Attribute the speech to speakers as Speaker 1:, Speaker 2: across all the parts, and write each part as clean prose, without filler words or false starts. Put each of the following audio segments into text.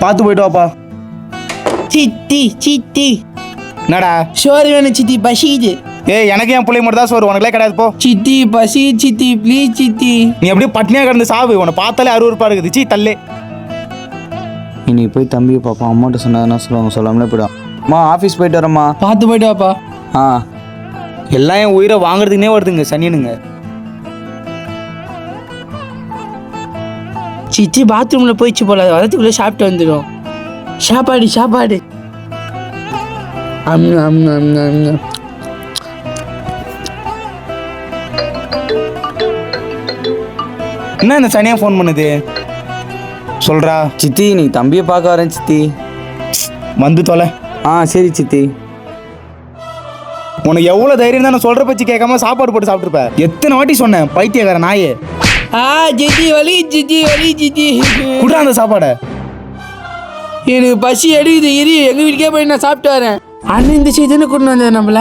Speaker 1: பார்த்து போயிட்டு வாப்பா.
Speaker 2: சித்தி சித்தி
Speaker 1: என்னடா?
Speaker 2: சோறு வேணும் சித்தி, பசிக்குது.
Speaker 1: ஏய், எனக்கு என் பிள்ளை மட்டும் தான் சோறு, உனக்குலாம் கிடையாது போ.
Speaker 2: சித்தி பசி சித்தி, ப்ளீஸ் சித்தி.
Speaker 1: நீ அப்படியே பட்னியாக கிடந்து சாவு, உன்னை பார்த்தாலே அருவருப்பா இருக்குது. சீ தள்ளே.
Speaker 3: இன்னைக்கு போய் தம்பியை பார்ப்போம். அம்மாட்ட சொன்னதுன்னா சொல்லுவாங்க, சொல்லாமலே போய்டும். அம்மா ஆஃபீஸ் போயிட்டு வரேம்மா.
Speaker 2: பார்த்து போயிட்டு வாப்பா.
Speaker 3: ஆ
Speaker 1: எல்லாம் என் உயிரை வாங்குறதுக்குனே வருதுங்க சனியனுங்க.
Speaker 2: சித்தி பாத்ரூம்ல போயிடுச்சு போல, வரதுக்குள்ள சாப்பிட்டு வந்துடும். சாப்பாடு சாப்பாடு.
Speaker 1: என்ன இந்த சனியா ஃபோன் பண்ணுது? சொல்றா.
Speaker 3: சித்தி நீ தம்பியை பார்க்க வரேன் சித்தி.
Speaker 1: வந்து தொலை.
Speaker 3: ஆ சரி சித்தி.
Speaker 1: உனக்கு எவ்வளோ தைரியம் தான் நான் சொல்கிற பற்றி கேட்காம சாப்பாடு போட்டு சாப்பிட்ருப்ப. எத்தனை வாட்டி சொன்னேன் பைத்தியக்கார நாயே.
Speaker 2: சித்தி வலி சித்தி, வலி சித்தி.
Speaker 1: குடுறா அந்த சாப்பாடை.
Speaker 2: எனக்கு பசி எடுக்குது, இரு எங்க வீட்டுக்கே போய் நான் சாப்பிட்டு வரேன். அண்ணன் இந்த செய்தின்னு கொண்டு வந்தேன் நம்மள.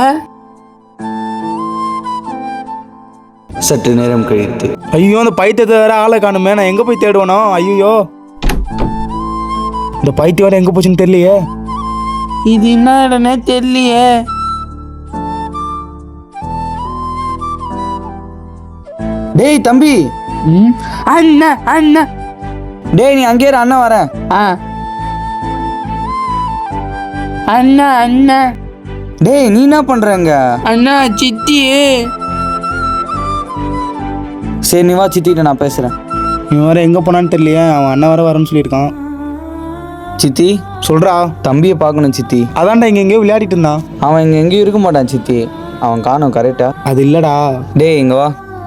Speaker 3: சற்று நேரம் கழித்து.
Speaker 1: ஐயோ, அந்த பைத்தியத்தை வேற ஆளை காணுமே, நான் எங்கே போய் தேடுவேனோ? ஐயோ, இந்த பைத்தியம் வேற எங்கே போச்சுன்னு தெரியலையே.
Speaker 2: இது என்ன இடனே தெரியலையே.
Speaker 3: டேய் தம்பி.
Speaker 2: அண்ணா அண்ணா.
Speaker 3: டேய் நீ அங்கேயே அண்ணா வரேன்.
Speaker 2: அண்ணா அண்ணா.
Speaker 3: டேய் நீ என்ன பண்றங்க?
Speaker 2: அண்ணா சித்தி.
Speaker 3: சரி நீ வா, சித்திட்ட நான் பேசுறேன்.
Speaker 1: இவன் வேற எங்கே போனான்னு தெரியலையே. அவன் அண்ணன் வேற வரேன்னு சொல்லியிருக்கான்.
Speaker 3: சித்தி
Speaker 1: சொல்றா.
Speaker 3: தம்பியை பார்க்கணும் சித்தி.
Speaker 1: அதான்டா இங்கே எங்கேயோ விளையாடிட்டு இருந்தான்.
Speaker 3: அவன் இங்கே எங்கேயும் இருக்க மாட்டான் சித்தி. அவன் காணும் கரெக்டா?
Speaker 1: அது இல்லடா.
Speaker 3: டேய் இங்க வா.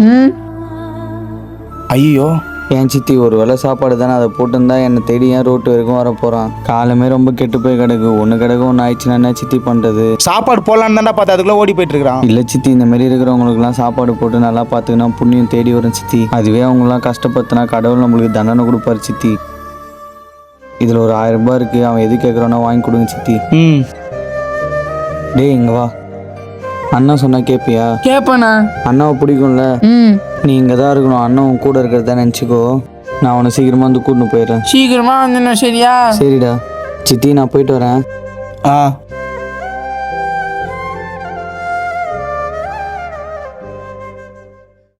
Speaker 1: ஐயோ,
Speaker 3: என் சித்தி ஒரு வேளை சாப்பாடு தானே, அதை போட்டுருந்தா என்னை தேடி ஏன் ரோட்டு வரைக்கும் வர போகிறான். காலமே ரொம்ப கெட்டு போய் கிடக்கு. ஒன்று கிடக்கு ஒன்று ஆயிடுச்சுன்னா என்ன சித்தி பண்ணுறது?
Speaker 1: சாப்பாடு போடலான்னு தான்டா பார்த்தா அதுக்குள்ளே ஓடி போயிட்டு இருக்கிறான்.
Speaker 3: இல்லை சித்தி, இந்த மாதிரி இருக்கிறவங்களுக்குலாம் சாப்பாடு போட்டு நல்லா பார்த்துக்கினா புண்ணியம் தேடி வரும் சித்தி. அதுவே அவங்களாம் கஷ்டப்படுத்தினா கடவுள் நம்மளுக்கு தண்டனை கொடுப்பாரு சித்தி. இதில் ஒரு 1000 ரூபாய் இருக்குது, அவன் எது கேட்குறானோ வாங்கி கொடுங்க சித்தி. டேய் இங்கே வா. அண்ணா சொன்னா கேட்பியா?
Speaker 2: கேப்பண்ணா.
Speaker 3: அண்ணாவை பிடிக்கும்ல? நீ இங்கே தான் இருக்கணும். அண்ணன் கூட இருக்கிறதா நினச்சிக்கோ. நான் உன்னை சீக்கிரமாக வந்து கூட்டின்னு போயிடுறேன்.
Speaker 2: சீக்கிரமா வந்துண்ணா, சரியா?
Speaker 3: சரிடா சித்தி, நான் போயிட்டு வரேன்.